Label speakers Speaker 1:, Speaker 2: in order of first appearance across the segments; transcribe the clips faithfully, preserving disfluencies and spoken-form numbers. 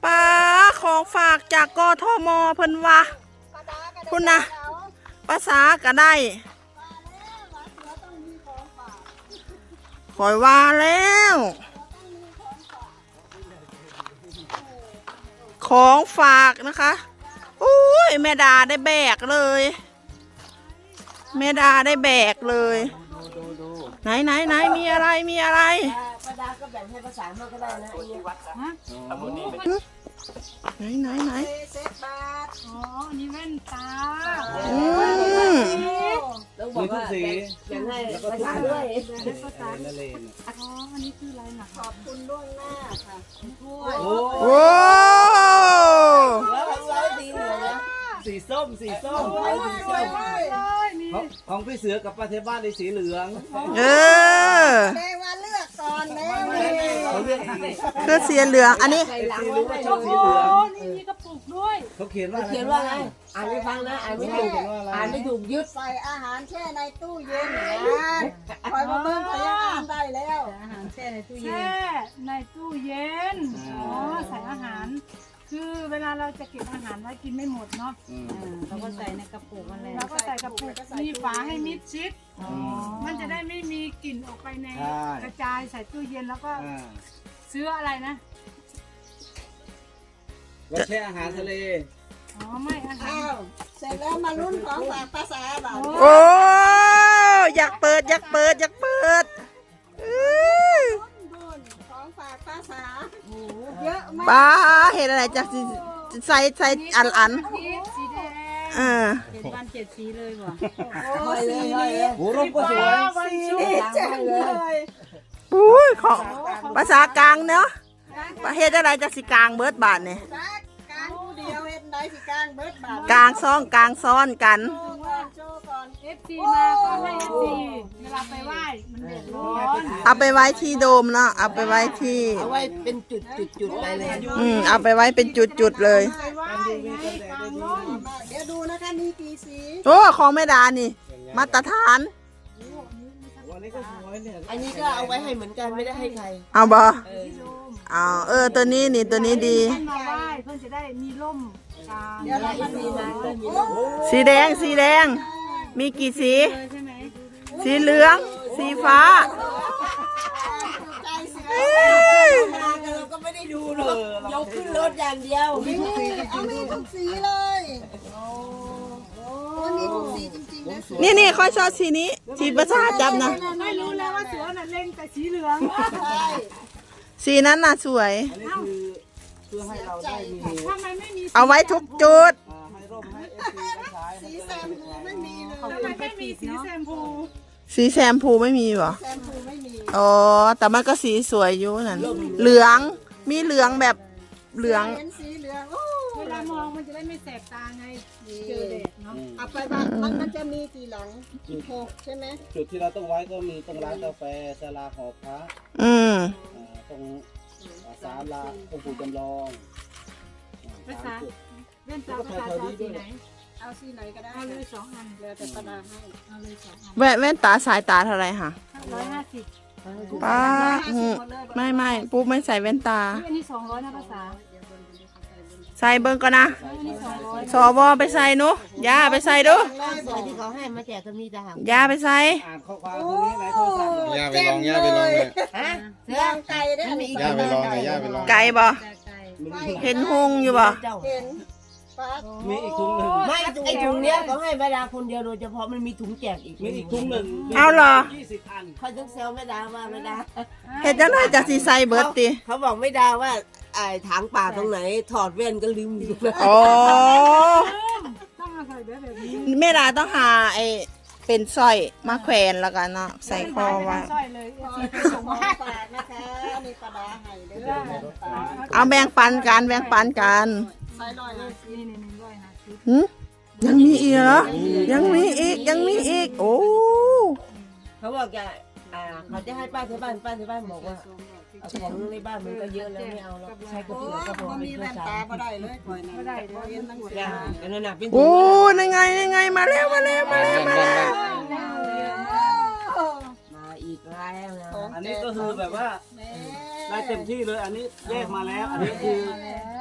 Speaker 1: ป้าของฝากจากกทมเพิ่นว่าคุณนะภาษาก็ได้คอยว่าแล้วของฝากนะคะอุ้ยแม่ดาได้แบกเลยแม่ดาได้แบกเลยไหนไหนไหนมีอะไรมีอะไร
Speaker 2: ป้าดาก็แบ่งให้ภาษาโน้ก็ได้นะไอ้วัดฮะ
Speaker 1: ไหนไหนไหน
Speaker 2: เซ็ตบาท
Speaker 3: อ๋อนี่แว่นตา
Speaker 1: อืม
Speaker 2: ต้องบอกว่าแบ่งให้ภาษาด้วย
Speaker 3: ให้ภาษาอ๋ออันนี้คืออะไรนะ
Speaker 2: ขอบคุณล่วงหน้าค่ะ
Speaker 1: โอ้
Speaker 2: แล้วของเราดีเลยนะ
Speaker 4: สีส้มสีส้มสีส้มของพี่เสือกับป้าเทบ้านในสีเหลือง
Speaker 1: เออ
Speaker 2: แม่ว่าเลือกก่อนแม่
Speaker 4: เขาเลือก
Speaker 1: เพื่อสีเหลืองอันนี้
Speaker 4: สีรู้ว่าชอบสีเหลือง
Speaker 3: นี่มีกระปุกด้วย
Speaker 4: เขาเขียนว่า
Speaker 2: เขียนว่าไงอ่านไม่ฟังนะอ่านไม่ถูกอ่านไม่ถูกยึดใส่อาหารแช่ในตู้เย็นนะคอยมาเบิ่งพยาอ่านได้แล้วอาหารแช่ในตู้เย็น
Speaker 3: แช่ในตู้เย็นอ๋อใส่อาหารคือเวลาเราจะเก็บอาหารไว้กินไม่หมดเนาะ
Speaker 2: เราก็ใส่ในกระปุกมันเลย
Speaker 3: เราก็ใส่กระปุกมีฝาให้มิดชิดมันจะได้ไม่มีกลิ่นออกไปในกระจายใส่ตู้เย็นแล้วก็ซื้ออะไรนะ
Speaker 4: เราแช่อาหารทะเล
Speaker 3: อ๋อไม่อาหาร
Speaker 2: เสร็จแล้วมาลุ้นของฝากภาษาบ่าว
Speaker 1: โอ้อยากเปิดอยากเปิดอยากเปิด
Speaker 2: ของฝากภาษาเยอะมาก
Speaker 1: ป้าเห็นอะไรจากใส่ใส่อันอัน
Speaker 3: สีแดง
Speaker 1: เออ
Speaker 3: เจ็ดวันเจ็ดสีเลยว่ะ
Speaker 2: โอ้สีนี้
Speaker 4: โอ้รูปก็สวย
Speaker 2: สีนี้แจ๋งเลย
Speaker 1: อุ้ยของภาษากลางเนาะประเทศอะไรจากสิกลางเบิร์ดบาทเนี่ย
Speaker 2: กลางเดียวเห็นได้สิกลางเบิร์ดบาท
Speaker 1: กลางซ้อนกลางซ้อนกัน
Speaker 3: เอฟซีมาก็ให้เอฟซีเวลาไปไหว้มันเดือดร้อน
Speaker 1: เอาไปไว้ที่โดมเนาะเอาไปไว้ที่
Speaker 2: เอาไว้เป็นจุดจุดจุดไปเลย
Speaker 1: อืมเอาไปไว้เป็นจุดจุดเลย
Speaker 2: เดี๋ยวดูนะคะมีกี่สี
Speaker 1: โอ้ของแม่ดานี่มาตรฐาน
Speaker 2: อันนี้ก็เอาไว้ให้เหมือนกันไม่ได้ให้ใคร
Speaker 1: เอาบ่เอาเออตัวนี้นี่ตัวนี้ดี
Speaker 3: มาไหว้เพื่อนจะได้มีร่ม
Speaker 1: สีแดงสีแดงมีกี่สีสีเหลืองสีฟ้
Speaker 2: เราก็ไม่ได้ดูหรอกยกขึ้นรถอย่างเดียวมีทุกสีมีทุกสีเลยมีทุกสีจริงๆนะ
Speaker 1: นี่นี่ค่อยชอบสีนี้สีภาษาจับนะ
Speaker 3: ไม่รู้แล้วว่าเสือน่ะเล่งแต่สีเหลือง
Speaker 1: สีนั้นน่ะสวย
Speaker 4: เพื่อให้เราได้มี
Speaker 3: ทำไมไม่มี
Speaker 1: เอาไว้ทุกจุด
Speaker 4: ให้ร่มให้เอฟซีได้ใช้
Speaker 2: สีแซมพูไม่มีเลย
Speaker 3: ทำไมไม่มีสีแซมพู
Speaker 1: สีแซมพูไม่มีหรอ
Speaker 2: แซมพูไม่มี
Speaker 1: อ๋อแต่มันก็สีสวยอยู่นั่นเหลืองมีเหลืองแบบเหลือง
Speaker 2: สีเหลือง
Speaker 3: เวลามองมันจะได้ไม่แสบตาไงเจอแดดเนาะ
Speaker 2: เอาไปบ้านมันมันจะมีกี่หลังหกใช่ไหม
Speaker 4: จุดที่เราต้องไว้ก็มีตรงร้านกาแฟศาลาหอพระ
Speaker 1: อืม
Speaker 4: ตรงศาลาองค์ปู่จำลอง
Speaker 3: ภาษาเล่นตาภาษาสีไหน
Speaker 2: เอาสีไหนก็ได้
Speaker 3: เอาเลยสองอัน
Speaker 2: แล้วแต่ประดาให้
Speaker 3: เอาเลยสองอัน
Speaker 1: แว่นแว่นตาสายตาเท่าไรคะ
Speaker 3: ร้อยห้าสิบ
Speaker 1: ป้าไม่ไม่ปุ๊บไม่ใส่แว่นตา
Speaker 3: อันนี้สองร้อยนะภาษา
Speaker 1: ใส่เบิ้งก่อนนะสวไปใส่หนูย่าไปใส่ดู
Speaker 2: ที่เขาให้มาแจกก็มีแต่หาง
Speaker 1: ย่าไปใส่
Speaker 4: อ่านข้อความตรงนี้ไหนโทรศัพท์
Speaker 5: ย่าไปลองย่าไปลองเลย
Speaker 2: ฮะลองไก่ได้ไหม
Speaker 5: ย่าไปลองย่าไปลอง
Speaker 1: ไก่บ่เห็นหงอยู่บ่
Speaker 2: เห็น
Speaker 4: มีอีกถุงหนึ่ง
Speaker 2: ไม่ไอถุงเนี้ยเขาให้แม่ดาคนเดียวโดยเฉพาะมันมีถุงแจกอีก
Speaker 4: มีอีกถุงหนึ่ง
Speaker 1: เอาเหรอ
Speaker 4: ยี่สิบอัน
Speaker 2: เขาต้องเซลแม่ดาว่าแม่ดา
Speaker 1: เห็นจังเลยจากสีใส่เบิร์ตตี
Speaker 2: เขาบอกแม่ดาว่าไอ้ถางป่าตรงไหนถอดแว่นก็ลืมอยู่
Speaker 1: อ๋อ
Speaker 3: ต้องมาใส่แบบนี้
Speaker 1: แม่ดาต้องหาไอเป็นสร้อยมาแขวนแล้วกันเนาะใส่คอไว้เอาแบ่งปันกันแบ่งปันกันยังมีอีกเหรอยังมีอีกยังมีอีกโอ้
Speaker 2: เขาบอกจะอ่าเขาจะให้ป้าที่บ้านป้าที่บ้านบอกว่าของในบ้านมันก็เยอะแล้วไม่เอาแล้วใช้กระปุกกระปุกมีแว่นตาก็ได้เลยไม่ได้เลยนั่งยาอันนั้นเป็น
Speaker 1: โอ้ยังไงยังไงมาแล้วมาแล้วมาแล้วมาแล้ว
Speaker 2: มาอีกแล้วนะ
Speaker 4: อันนี้ก็คือแบบว่าได้เต็มที่เลยอันนี้แยกมาแล้วอันนี้คือ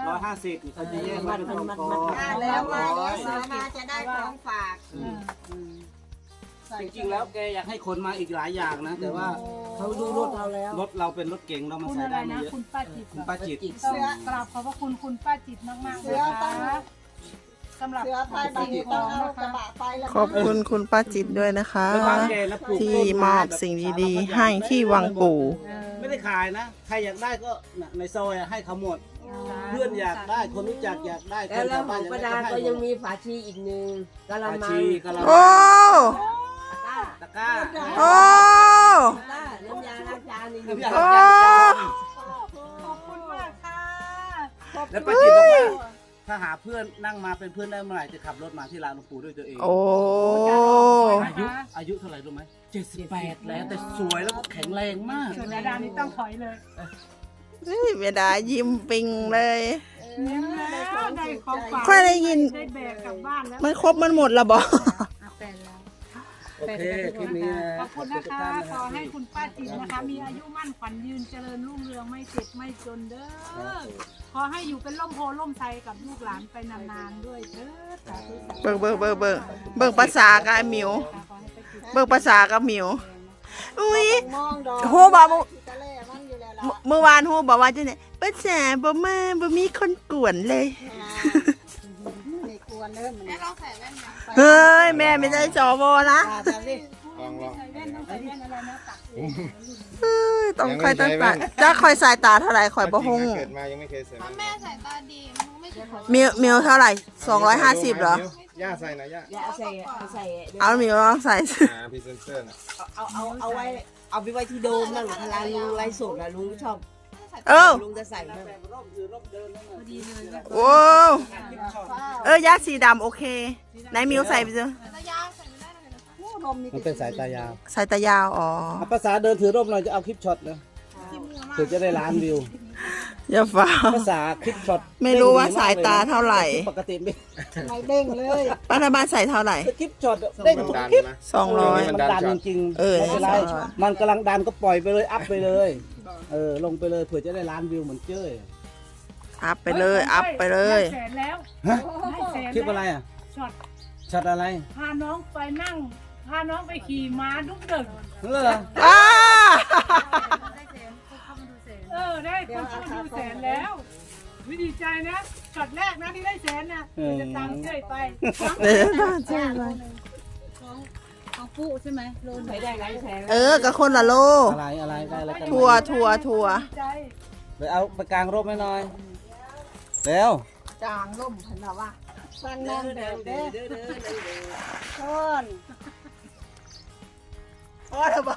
Speaker 4: ร้อยห้าสิบเขาจะแยกมาเป็นกองกอง
Speaker 2: ได้แล้วมาเดี๋ยวสามาจะได้ของฝาก
Speaker 4: จริงๆแล้วแกอยากให้คนมาอีกหลายอย่างนะ แต่ว่า
Speaker 2: เขาดูรถเราแล้ว
Speaker 4: รถเราเป็นรถเก๋งเรามา
Speaker 3: คุณ
Speaker 4: ใส่
Speaker 3: อะไร
Speaker 4: ได้ไม่
Speaker 3: นะ
Speaker 4: เยอะ
Speaker 3: คุณป้าจิต
Speaker 4: คุณป้าจิต
Speaker 3: ต้องกราบขอบพระคุณคุณป้าจิตมากๆนะคะสำหรับ
Speaker 2: เสือไปบางทีต้องเอากระบะไปแล้ว
Speaker 1: ขอบคุณคุณป้าจิตด้วยนะคะ
Speaker 4: ไปบ้านแกนะปลูก
Speaker 1: ที่
Speaker 4: ต้น
Speaker 1: มอบสิ่งดีๆ ให้ที่วังปู่
Speaker 4: ไม่ได้ขายนะ ใครอยากได้ก็น่ะในซอยอะให้เขาหมด เพื่อนอยากได้คนรู้จักอยากได้ค
Speaker 2: แล้ว
Speaker 4: น
Speaker 2: แล้ว
Speaker 4: ชาว
Speaker 2: ข
Speaker 4: บ้า
Speaker 2: อน ง
Speaker 4: อยาก
Speaker 2: ประ
Speaker 4: ได้
Speaker 2: ดา
Speaker 4: ก็
Speaker 2: ก็
Speaker 4: ให้ห
Speaker 2: ยัง
Speaker 4: มด
Speaker 2: มีฝาชีอีกหนึ่งกะละ
Speaker 4: อา
Speaker 2: มัง
Speaker 4: ชีกะละ
Speaker 1: โอ้
Speaker 4: ตะกร้า
Speaker 1: โอ้
Speaker 2: น้ำยาล้างจานนี่
Speaker 4: น้ำยา
Speaker 1: โอ้
Speaker 3: ขอบคุณมากค่ะ
Speaker 4: แล้วป้าจิตบอกว่าถ้าหาเพื่อนนั่งมาเป็นเพื่อนได้เมื่อไหร่จะขับรถมาที่ร้านหลวงปู่ด้วยตัวเอง
Speaker 1: โอ้
Speaker 4: อายุอายุเท่าไหร่รู้ไหมเจ็ดสิบแปดแล้วแต่สวยแล้วก็แข็งแรงมาก
Speaker 3: ส่วนดาดานี่ต้องถอยเลย
Speaker 1: เวดายิ้มปิงเลย
Speaker 3: ยิ้มแล้วได้ของฝาก
Speaker 1: ค่อยได้ยิน
Speaker 3: ได้แบกกลับบ้านแล้ว
Speaker 1: มันครบมันหมดแล้วบอก
Speaker 4: โอเคคลิปนี้นะ
Speaker 3: ขอบคุณนะคะ ขอให้คุณป้าจิ๋มนะคะ มีอายุมั่นขวัญยืนเจริญรุ่งเรืองไม่เจ็บไม่จนเด้อ ขอให้อยู่เป็นร่มโพล่มไทรกับลูกหลานไปนานๆด้วยเด้อสาธุสาธุ
Speaker 1: เบิ่งเบิ่งเบิ่งเบิ่งเบิ่งภาษากับไอ้หมิว
Speaker 3: ขอให้ไปจิต
Speaker 1: เบิ่งภาษากับหมิว อุ้ย
Speaker 2: มองดอก
Speaker 1: ฮู้บ่เมื่อ
Speaker 2: ตะเล่มันอยู่แล้ว
Speaker 1: เมื่อเมื่อวานฮู้บอกว่าจังได๋ภาษาบ่มาบ่มีคนกวนเลย
Speaker 2: ไม่ควรเริ่มมัน
Speaker 1: เฮ้ย แม่ไม่ใช่จอวนะ
Speaker 2: แบบนี้
Speaker 5: ลองลอง
Speaker 3: ใส่แว่นต้องใส่แว่นอะไรนะตัก
Speaker 1: เฮ้ยต้องคอยตั้งตาจะคอยสายตาเท่าไหร่คอยบ่ฮู้
Speaker 5: เกิดมายังไม่เคยใส่
Speaker 6: แม่สายตาดีมันไม่เคย
Speaker 1: มิวมิวเท่าไหร่สองร้อยห้าสิบเหรอ
Speaker 5: ย่าใส่นะย่า
Speaker 2: อย่าเอาใส่เอาใส่
Speaker 1: เอามิวลองใส่
Speaker 5: อ่าพรีเซนเตอร์น่ะ
Speaker 2: เอาเอาเอาไว้เอาไปไว้ที่โดมนั่นเวลาลุงไลฟ์สดอะลุงชอบ
Speaker 1: เออ
Speaker 2: ลุงจะใส่นั่น
Speaker 1: โอ้เออยาสีดำโอเคไหนมิวใส่ไปเจอ
Speaker 6: ระยะใส่ไม่ได้เลยนะคะ
Speaker 4: มันเป็นสายตายาว
Speaker 1: ใส่ตายาวอ๋อ
Speaker 4: ภาษาเดินถือร่มหน่อยจะเอาคลิปช็อตเลยถึงจะได้ล้านวิว
Speaker 1: อย่าฟ้า
Speaker 4: ภาษาคลิปช็อต
Speaker 1: ไม่รู้ว่าสายตาเท่าไหร่
Speaker 4: ปกติไม่
Speaker 2: ไม่เด้งเลย
Speaker 1: ป้าทบ้านใส่เท่าไหร่
Speaker 4: คลิปช็อตเด้ง
Speaker 5: มัน
Speaker 4: ทุก
Speaker 5: ดัน
Speaker 4: คลิป
Speaker 5: นะ
Speaker 1: สองร้อย
Speaker 4: มันดันจริงๆ
Speaker 1: เออ
Speaker 4: ไม่เป็นไร
Speaker 1: สองร้อย
Speaker 4: มันกำลังดันก็ปล่อยไปเลยอัพไปเลย เออลงไปเลยเผื่อจะได้ล้านวิวเหมือนเจ้ย
Speaker 1: อัพไปเลยอัพไปเลย
Speaker 3: ได้แสนแล้ว
Speaker 4: ฮะ
Speaker 3: ได้แสน
Speaker 4: คลิป
Speaker 3: แล้ว
Speaker 4: อะไรอ่ะ
Speaker 3: ช็อต
Speaker 4: ช็อตอะไร
Speaker 3: พาน้องไปนั่ง พาน้องไปขี่ม้าดุกดึก
Speaker 4: เออ
Speaker 1: อ้า
Speaker 3: เออ ได้คนเข้ามาดูแสนแล้ววิดีใจนะช็อตแรกนะที่ได้แสนนะเดี๋ยวจะตามเจ้ยไป
Speaker 1: เดี๋ยวต้องใช่ไหม
Speaker 6: ของปุ๊ใช่ไหมโลน
Speaker 2: ใส่ได้หลายแสน
Speaker 1: เออกับคนละโล
Speaker 4: อะไรอะไรได้อะไรกัน
Speaker 1: ทัวร์ทัวร์ทัวร์
Speaker 3: ดีใจ
Speaker 4: ไปเอาไปกลางร่มให้หน่อยเร็ว
Speaker 2: จางล่มพันละว่าฟังนั่งเด้อเด้อต้น
Speaker 1: อ๋อเถอะบ่